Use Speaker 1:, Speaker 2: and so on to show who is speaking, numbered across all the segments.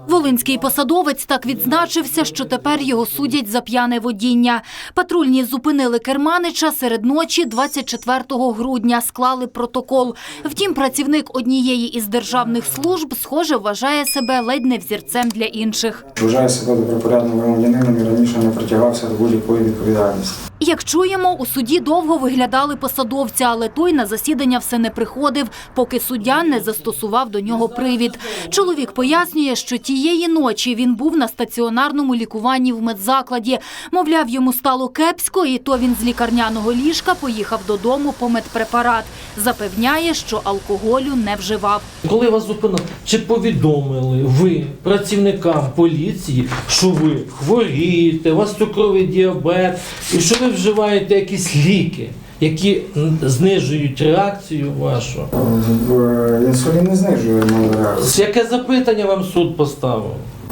Speaker 1: Волинський посадовець так відзначився, що тепер його судять за п'яне водіння. Патрульні зупинили керманича серед ночі 24 грудня, склали протокол. Втім, працівник однієї із державних служб, схоже, вважає себе ледь не взірцем для інших.
Speaker 2: Вважаю себе добропорядним громадянином і раніше не притягався до будь-якої відповідальності.
Speaker 1: Як чуємо, у суді довго виглядали посадовця, але той на засідання все не приходив, поки суддя не застосував до нього привід. Чоловік пояснює, що тієї ночі він був на стаціонарному лікуванні в медзакладі. Мовляв, йому стало кепсько, і то він з лікарняного ліжка поїхав додому по медпрепарат. Запевняє, що алкоголю не вживав.
Speaker 3: Коли вас зупинили, чи повідомили ви працівникам поліції, що ви хворієте, у вас цукровий діабет, і що ви вживаєте якісь ліки, які знижують реакцію вашу?
Speaker 2: Інсулін не знижує мою реакцію.
Speaker 3: Яке запитання вам суд поставив?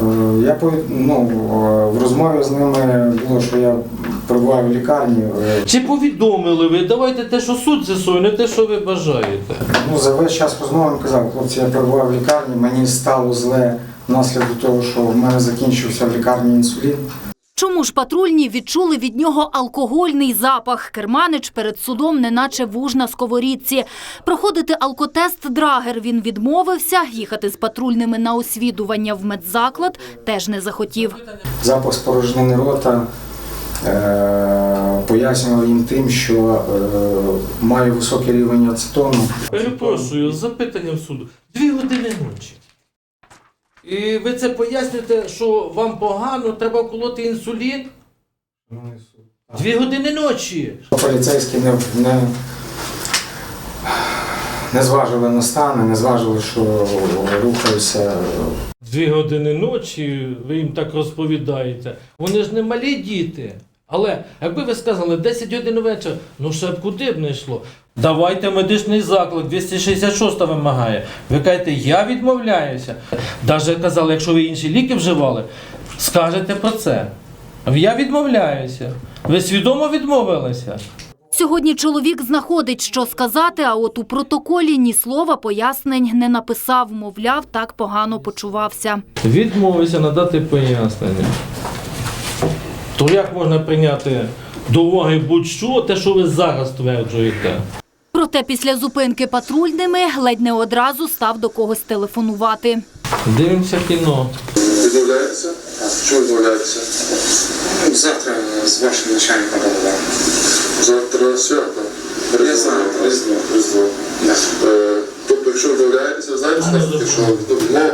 Speaker 2: В розмові з ними було, що я перебуваю в лікарні.
Speaker 3: Чи повідомили ви? Давайте те, що суд з'ясує, не те, що ви бажаєте.
Speaker 2: За весь час розмови він казав: хлопці, я перебуваю в лікарні, мені стало зле внаслідок того, що в мене закінчився в лікарні інсулін.
Speaker 1: Чому ж патрульні відчули від нього алкогольний запах? Керманич перед судом неначе вуж на сковорідці. Проходити алкотест Драгер він відмовився, їхати з патрульними на освідування в медзаклад теж не захотів.
Speaker 2: Запах спорожнини рота пояснював їм тим, що маю високий рівень ацетону.
Speaker 3: Перепрошую, з запитанням суду. 2 години ночі. І ви це пояснюєте, що вам погано, треба вколоти інсулін? 2 години ночі.
Speaker 2: Поліцейські не зважили на стан, не зважили, що рухаюся.
Speaker 3: 2 години ночі, ви їм так розповідаєте. Вони ж не малі діти. Але, якби ви сказали, 10 годин вечора, ще б куди б не йшло. Давайте медичний заклик, 266 вимагає. Ви кажете, я відмовляюся. Навіть казали, якщо ви інші ліки вживали, скажете про це. Я відмовляюся. Ви свідомо відмовилися?
Speaker 1: Сьогодні чоловік знаходить, що сказати, а от у протоколі ні слова пояснень не написав. Мовляв, так погано почувався.
Speaker 3: Відмовився надати пояснення. То як можна прийняти до уваги будь-що, те, що ви зараз стверджуєте?
Speaker 1: Проте після зупинки патрульними ледь не одразу став до когось телефонувати.
Speaker 3: Дивимося кіно.
Speaker 4: Відмовляється? Чого відмовляється? Завтра з вашим начальником поговоримо. Завтра свято? Я знаю, Різдво. Тобто, якщо відмовляється, знаєте, що відмовляється?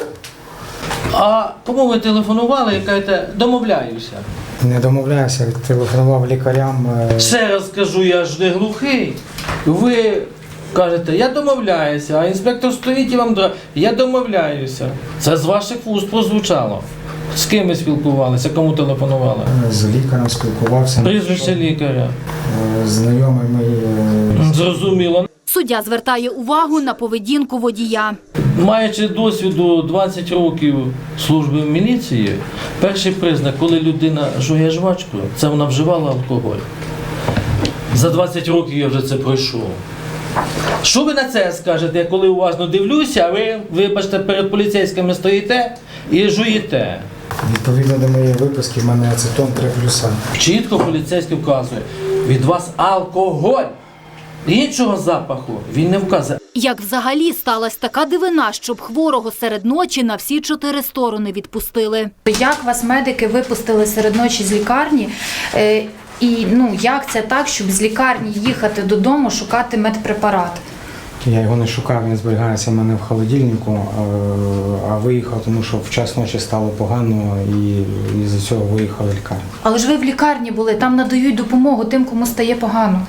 Speaker 3: А кому ви телефонували і кажете, домовляюся?
Speaker 2: Не домовляюся, телефонував лікарям.
Speaker 3: Ще раз кажу, я ж не глухий. Ви кажете, я домовляюся, а інспектор стоїть і вам я домовляюся. Це з ваших вуст прозвучало. З ким ви спілкувалися, кому телефонували?
Speaker 2: З лікарем спілкувався.
Speaker 3: Прізвище лікаря.
Speaker 2: Знайомий мій.
Speaker 3: Зрозуміло.
Speaker 1: Суддя звертає увагу на поведінку водія.
Speaker 3: Маючи досвіду 20 років служби в міліції, перший признак, коли людина жує жвачку, це вона вживала алкоголь. За 20 років я вже це пройшов. Що ви на це скажете, я коли уважно дивлюся, а ви, вибачте, перед поліцейськими стоїте і жуєте?
Speaker 2: Відповідно до моєї виписки, в мене ацетон 3+.
Speaker 3: Чітко поліцейський вказує, від вас алкоголь. Іншого запаху він не вказує.
Speaker 1: Як взагалі сталася така дивина, щоб хворого серед ночі на всі 4 сторони відпустили?
Speaker 5: Як вас медики випустили серед ночі з лікарні? І як це так, щоб з лікарні їхати додому шукати медпрепарат?
Speaker 2: Я його не шукав, він зберігається в мене в холодильнику, а виїхав, тому що в час ночі стало погано і з-за цього виїхав в лікарню.
Speaker 5: Але ж ви в лікарні були, там надають допомогу тим, кому стає погано.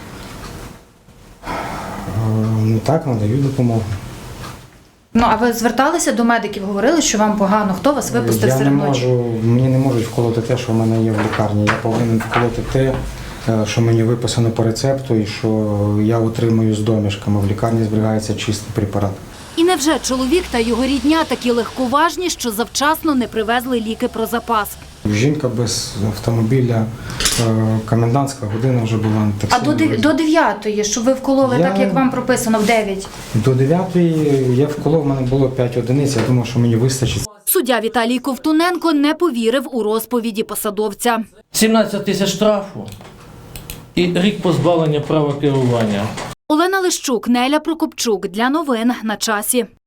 Speaker 2: Так, надають допомогу.
Speaker 5: А ви зверталися до медиків, говорили, що вам погано? Хто вас випустив серед ночі?
Speaker 2: Мені не можуть вколоти те, що в мене є в лікарні. Я повинен вколоти те, що мені виписано по рецепту і що я отримую з домішками. В лікарні зберігається чистий препарат.
Speaker 1: І невже чоловік та його рідня такі легковажні, що завчасно не привезли ліки про запас?
Speaker 2: Жінка без автомобіля, комендантська година вже була на таксі.
Speaker 5: А до 9-ї, щоб ви вкололи так, як вам прописано, в 9?
Speaker 2: До 9-ї я вколов, в мене було 5 одиниць, я думав, що мені вистачить.
Speaker 1: Суддя Віталій Ковтуненко не повірив у розповіді посадовця.
Speaker 3: 17 тисяч штрафу і рік позбавлення права керування.
Speaker 1: Олена Лищук, Неля Прокопчук. Для новин на часі.